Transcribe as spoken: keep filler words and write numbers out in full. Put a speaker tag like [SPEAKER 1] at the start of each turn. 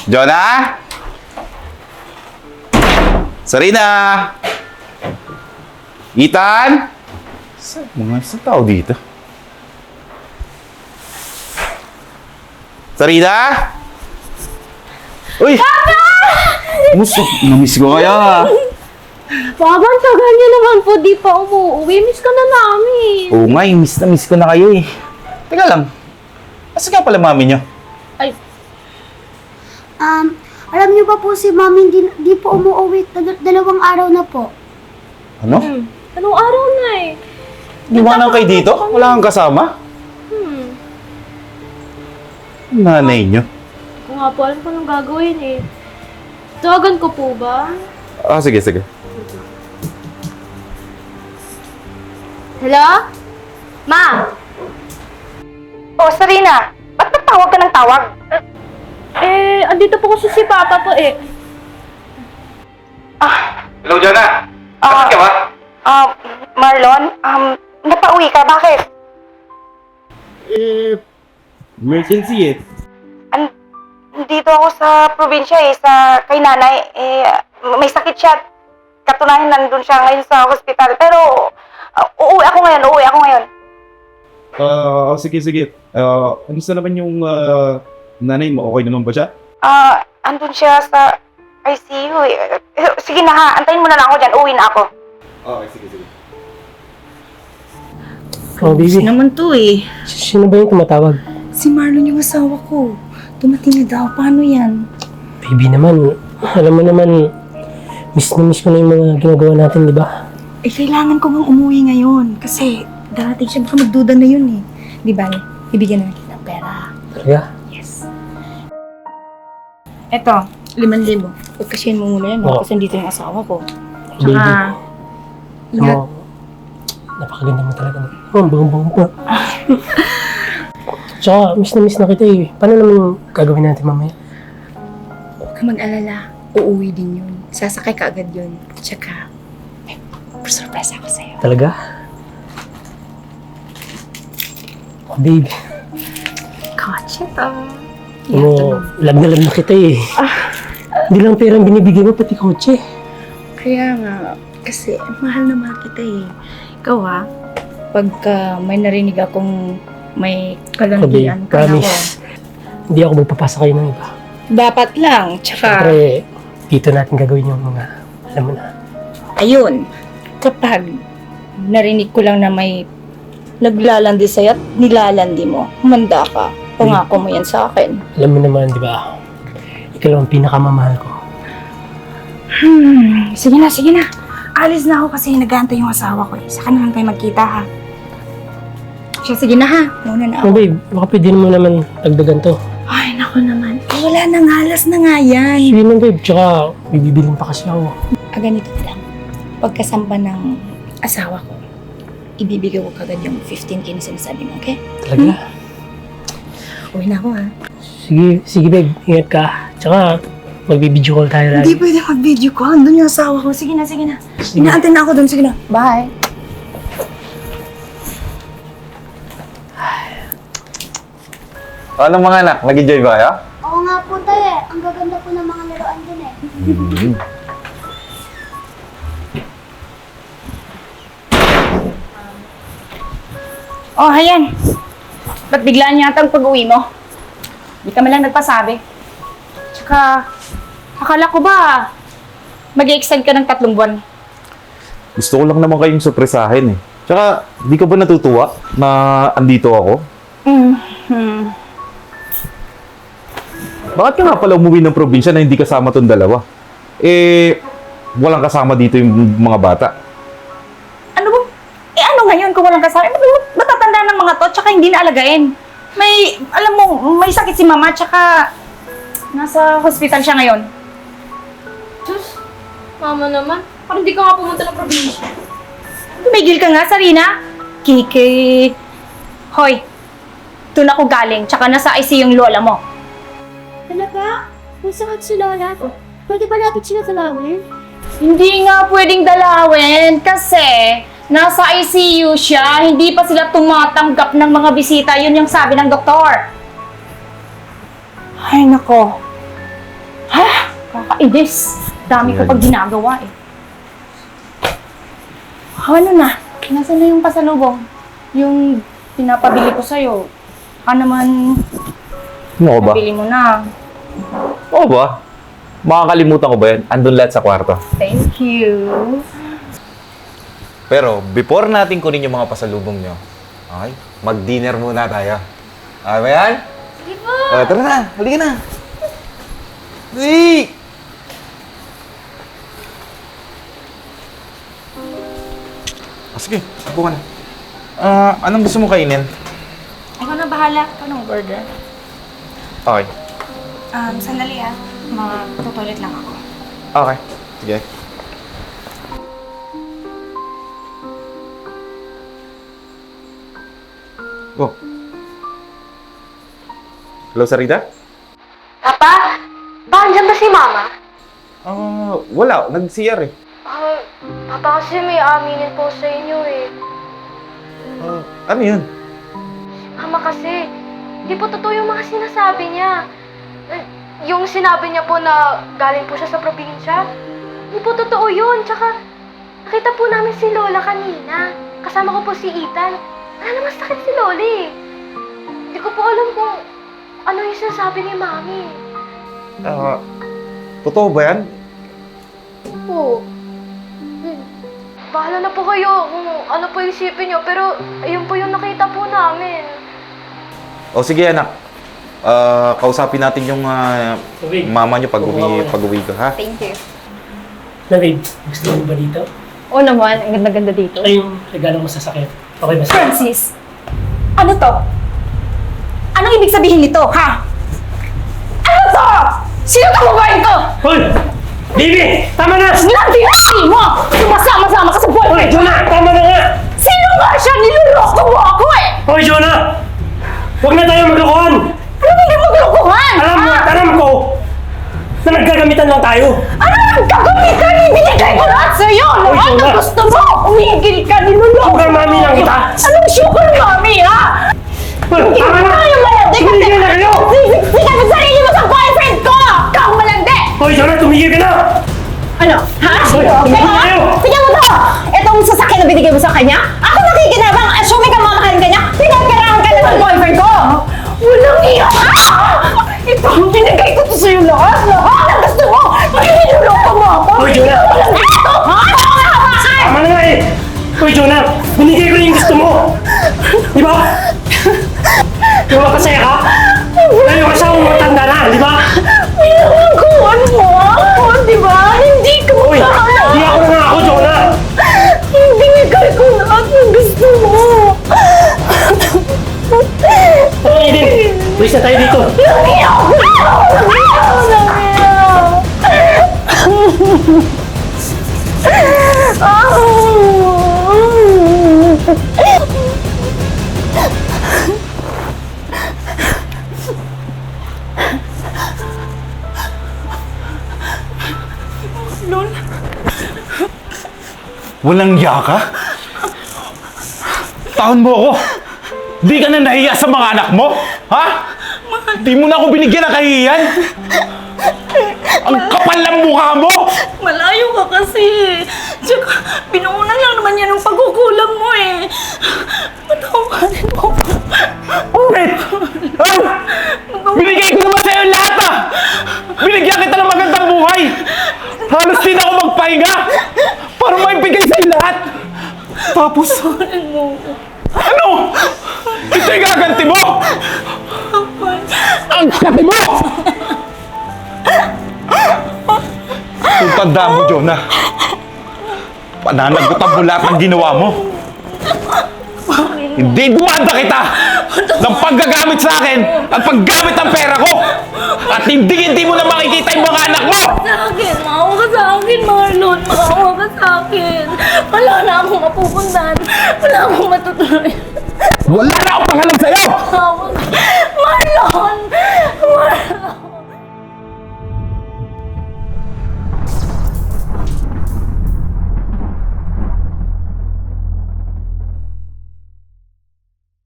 [SPEAKER 1] Jonah? Sarina? Ethan? Sa mga sa tao dito? Sarina? Uy! Papa! Musto, namiss ko kaya.
[SPEAKER 2] Papa, ang tagal niyo naman po, di pa umuwi. Miss ka na namin.
[SPEAKER 1] Oo nga, eh, miss na miss ko na kayo eh. Teka lang, asa nga pala mami niyo?
[SPEAKER 2] Ay,
[SPEAKER 3] Um, alam niyo ba po si Mami di, di po umuwi, Dal- dalawang araw na po.
[SPEAKER 1] Ano?
[SPEAKER 2] hmm. Anong araw na eh?
[SPEAKER 1] Iwanan kayo dito? Wala kang kasama?
[SPEAKER 2] Hmm.
[SPEAKER 1] Nanay niyo.
[SPEAKER 2] Kung nga po, alam ko nang gagawin eh. Tawagan ko po ba?
[SPEAKER 1] Ah, sige, sige.
[SPEAKER 2] Hello? Ma?
[SPEAKER 4] Oh, Sarina, ba't nagtawag ka ng tawag?
[SPEAKER 2] Eh, andito po kasi si Papa po eh.
[SPEAKER 4] Ah,
[SPEAKER 1] Hello, Jonah.
[SPEAKER 4] Ah.
[SPEAKER 1] ka ba?
[SPEAKER 4] um, Marlon, um, napauwi ka, bakit?
[SPEAKER 5] Eh, emergency eh.
[SPEAKER 4] An dito ako sa probinsya eh, sa kay nanay, eh, may sakit siya. Katunayan nandun siya ngayon sa hospital, pero uh, uuwi ako ngayon, uuwi ako ngayon.
[SPEAKER 5] Ah, oh, sige, sige. Ah, ano sa naman yung ah, nanay mo? Okay naman ba siya?
[SPEAKER 4] Ah, andun siya sa I C U eh. Eh, Sige na ha, antayin mo na lang ako dyan, uuwi na ako.
[SPEAKER 5] Okay, sige, sige.
[SPEAKER 6] Oh, baby.
[SPEAKER 7] naman to eh.
[SPEAKER 6] Sino ba yung tumatawag?
[SPEAKER 7] Si Marlon yung asawa ko. Dumating na daw. Paano yan?
[SPEAKER 6] Baby naman, alam mo naman, miss na miss ko na yung mga ginagawa natin, di ba?
[SPEAKER 7] Eh, kailangan ko bang umuwi ngayon. Kasi darating siya. Baka magduda na yun eh. Di ba? Ibigyan na kita ng pera.
[SPEAKER 6] Talaga?
[SPEAKER 7] Yes. Eto, liman libo. Pagkasyahin mo muna yan.
[SPEAKER 6] Oo.
[SPEAKER 7] Kasi dito yung asawa ko.
[SPEAKER 6] Baby.
[SPEAKER 7] Tsaka,
[SPEAKER 6] Alam mo, napakaganda mo talaga. Oh, ang bango-bango pa. Tsaka, miss na miss na kita eh. Paano naman yung gagawin natin mamaya?
[SPEAKER 7] huwag ka mag-alala. Uuwi din yun. Sasakay ka agad yun. Tsaka, may surprise ako sa'yo.
[SPEAKER 6] Talaga? Oh, baby.
[SPEAKER 7] Kotse to.
[SPEAKER 6] Alam mo, love na love na kita eh. Hindi lang pera ang binibigay mo, pati kotse.
[SPEAKER 7] Kaya nga, kasi mahal na mahal kita eh. Ikaw ha, pagka may narinig akong may
[SPEAKER 6] Sabi,
[SPEAKER 7] kalandian ka na ako.
[SPEAKER 6] promise. Hindi ako magpapasa kayo ng iba.
[SPEAKER 7] Dapat lang, tsaka,
[SPEAKER 6] Siyempre, dito natin gagawin yung mga, alam mo na.
[SPEAKER 7] ayun, kapag narinig ko lang na may naglalandi sa'yo at nilalandi mo, humanda ka. Pangako mo yan sa akin.
[SPEAKER 6] Alam mo naman, di ba? Ikaw lang ang pinakamamahal ko.
[SPEAKER 7] Hmm, sige na, sige na. Alis na ako kasi nag-aantay yung asawa ko eh. Saka na lang tayo magkita ha. Siya, sige na ha. Muna na
[SPEAKER 6] Oh,
[SPEAKER 7] ako.
[SPEAKER 6] babe, baka pwede mo naman dagdagan to.
[SPEAKER 7] Ay, naku naman. Eh, wala nang halas na nga yan.
[SPEAKER 6] Sige na, babe. Tsaka, bibibilin pa kasi ako.
[SPEAKER 7] Ah, ganito na lang. Pagkasamba ng asawa ko, ibibigay ko kagad yung fifteen K na sinasabi mo, okay?
[SPEAKER 6] Talaga?
[SPEAKER 7] Uwi na ako ha.
[SPEAKER 6] Sige, sige, babe. Ingat ka. Tsaka, magbibideo call tayo
[SPEAKER 7] Hindi
[SPEAKER 6] lagi.
[SPEAKER 7] pwede mag-video ko. Andun yung asawa ko. Sige na, sige na.
[SPEAKER 6] Sige.
[SPEAKER 7] Inaantay na ako dun. Sige na. Bye.
[SPEAKER 1] Ano mga anak, nag-enjoy ba kayo?
[SPEAKER 3] Oo nga po tayo eh. Ang gaganda po ng mga laruan dun eh.
[SPEAKER 1] Hmm.
[SPEAKER 4] Oh, ayan. Ba't biglaan yata ang pag-uwi mo? Di ka man lang nagpasabi. Tsaka, akala ko ba mag-i-extend ka ng tatlong buwan?
[SPEAKER 1] Gusto ko lang naman kayong surpresahin eh. Tsaka, di ka ba natutuwa na andito ako?
[SPEAKER 4] Mm-hmm.
[SPEAKER 1] Bakit ka nga pala umuwi ng probinsya na hindi kasama tong dalawa? Eh, walang kasama dito yung mga bata.
[SPEAKER 4] Ano ba? Eh ano ngayon kung walang kasama? Eh, ba't matatanda ng mga to tsaka hindi naalagain? May, alam mo, may sakit si mama tsaka nasa hospital siya ngayon.
[SPEAKER 2] Diyos, mama naman. Parang di ka nga pumunta ng probinsya.
[SPEAKER 4] Tumigil ka nga, Sarina. Kiki. Hoy, doon ako galing tsaka nasa I C U yung lola mo.
[SPEAKER 3] Talaga? Kung sakit si Lola, pwede ba natin sila talawin?
[SPEAKER 4] Hindi nga pwedeng dalawin kasi nasa I C U siya, hindi pa sila tumatanggap ng mga bisita. Yun yung sabi ng doktor. Ay, nako.
[SPEAKER 7] Kakainis. Dami ko
[SPEAKER 1] Yan.
[SPEAKER 7] pag ginagawa eh. Ano na? Nasaan na yung pasalubong? Yung pinapabili ko sa'yo. Baka naman
[SPEAKER 1] Ano ko ba?
[SPEAKER 7] nabili mo na.
[SPEAKER 1] Oo ba? Makakalimutan ko ba yan? Andun lahat sa kwarto.
[SPEAKER 7] Thank you.
[SPEAKER 1] Pero, before natin kunin yung mga pasalubong nyo, okay, mag-dinner muna tayo. Okay ba yan?
[SPEAKER 2] Sige po.
[SPEAKER 1] O, tara na. Halika na. Hey! Ah, sige, upo ka na. Ah, anong gusto mo kainin?
[SPEAKER 7] Ikaw na bahala. Anong order?
[SPEAKER 1] Okay.
[SPEAKER 7] Um, sandali ah. Mag-toilet lang ako.
[SPEAKER 1] Okay. Sige. Oh. Hello, Sarita?
[SPEAKER 2] Papa? Pa, andyan ba si Mama?
[SPEAKER 1] Ah, wala. Nag-C R eh.
[SPEAKER 2] Ah, Papa kasi may aminin po sa inyo eh.
[SPEAKER 1] Ah, ano yun?
[SPEAKER 2] Mama kasi, hindi po totoo yung mga sinasabi niya. Eh, Yung sinabi niya po na galing po siya sa probinsya, hindi po totoo yun. Tsaka, nakita po namin si Lola kanina. Kasama ko po si Ethan. Wala naman sakit si Loli. Hindi ko po alam kung ano yung sinasabi ni Mami.
[SPEAKER 1] Ah, totoo ba yan?
[SPEAKER 2] Po. Hmm. Bahala na po kayo kung ano po yung isipin niyo, pero ayun po yung nakita po namin.
[SPEAKER 1] O sige, anak. Ah, kausapin natin yung ah,
[SPEAKER 6] Okay.
[SPEAKER 1] mama niyo pag uwi, pag uwi ka, ha?
[SPEAKER 7] Thank you.
[SPEAKER 6] Na babe, gusto mo ba dito?
[SPEAKER 7] Oo naman, ang ganda-ganda dito.
[SPEAKER 6] Ito yung regalo mo sa sakit. Okay ba sa'yo?
[SPEAKER 7] Francis, ano to? Anong ibig sabihin nito, ha? Ano to? Sino ka babae ko?
[SPEAKER 6] Hoy! Baby! Tama na!
[SPEAKER 7] Nanti mo! Sumasama-sama ka sa
[SPEAKER 6] Hoy,
[SPEAKER 7] boyfriend ko!
[SPEAKER 6] Jonah! Tama na nga!
[SPEAKER 7] Sino nga siya? Niloloko mo ako eh!
[SPEAKER 6] Hoy, Jonah! Huwag na tayo maglokohan!
[SPEAKER 7] Ano hindi maglokohan?
[SPEAKER 6] Alam mo at alam ko na naggagamitan lang tayo.
[SPEAKER 7] Ano ang gagamitan? Ibinigay ko lahat sa'yo!
[SPEAKER 6] Hoy,
[SPEAKER 7] Lahat
[SPEAKER 6] Jonah!
[SPEAKER 7] ang gusto mo! Umigil ka, niloloko
[SPEAKER 6] Sugar mommy lang kita!
[SPEAKER 7] Anong sugar mommy, ha?
[SPEAKER 6] Hoy,
[SPEAKER 7] Hindi
[SPEAKER 6] tama
[SPEAKER 7] mo
[SPEAKER 6] na!
[SPEAKER 7] tayo malandi kasi
[SPEAKER 6] Tumigil na kayo!
[SPEAKER 7] sisiksikan sa sarili mo sa boyfriend ko! Ikaw ang malandi!
[SPEAKER 6] Hoy, Jonah! Tumigil ka na!
[SPEAKER 7] Ano? Ha?
[SPEAKER 6] Hoy,
[SPEAKER 7] Kaya
[SPEAKER 6] tumigil
[SPEAKER 7] ha?
[SPEAKER 6] kayo!
[SPEAKER 7] Tingnan mo to! Itong sasakyan na binigay mo sa kanya? Ako nakikinabang! Assuming ka mamahalin ka niya, pinagkarahan ka na ng boyfriend ko! Walang iya! Ito ang binigay ko to sa'yo lahat! Lahat ang gusto mo! Makiniloloko mo ako!
[SPEAKER 6] Hoy, Jonah!
[SPEAKER 7] Walang ito! Ha? Ano ang hawakan?
[SPEAKER 6] Tama na nga eh! Hoy, Jonah! Binigay ko na yung gusto mo! Di ba? Di ba kasaya ka? Tayo kasama matanda na, di ba?
[SPEAKER 7] Pinangakuan mo ako, di ba? Hindi ko
[SPEAKER 6] Hoy!
[SPEAKER 7] makakala!
[SPEAKER 6] Di ako na ako, Jonah!
[SPEAKER 7] Binigay ko lahat ng gusto mo!
[SPEAKER 6] Tama, Eden! Please na tayo dito!
[SPEAKER 7] Nangiyaw! Nangiyaw! Nangiyaw!
[SPEAKER 1] Walang iya ka? Taon mo ako! Di ka na nahiya sa mga anak mo? Ha? Di mo na ako binigyan ng kahihiyan? Ang kapal ng mukha mo!
[SPEAKER 7] Malayo ka kasi. Tsaka, pinuunan lang naman yan ng pagkukulang mo eh. Patawarin mo.
[SPEAKER 1] Ulit! Ha? Binigay ko naman sa'yo lahat ah! Binigyan kita ng magandang buhay! Halos din ako magpahinga! Para maibigay sa'yo lahat! Tapos... Ano? Ito yung gaganti mo! Ang kati mo! Kung tandaan mo, Jonah, pananagutan mo lahat ng ginawa mo. Hindi dumanda kita ng paggagamit sa akin at paggamit ng pera ko. At hindi hindi mo na makikita yung mga anak mo.
[SPEAKER 7] Sa akin, maawa ka sa akin, Marlon. Maawa ka sa akin. Wala na akong mapupuntahan. Wala akong matutuloy.
[SPEAKER 1] Wala na akong pangalam sa'yo!
[SPEAKER 7] Maawa ka. Marlon!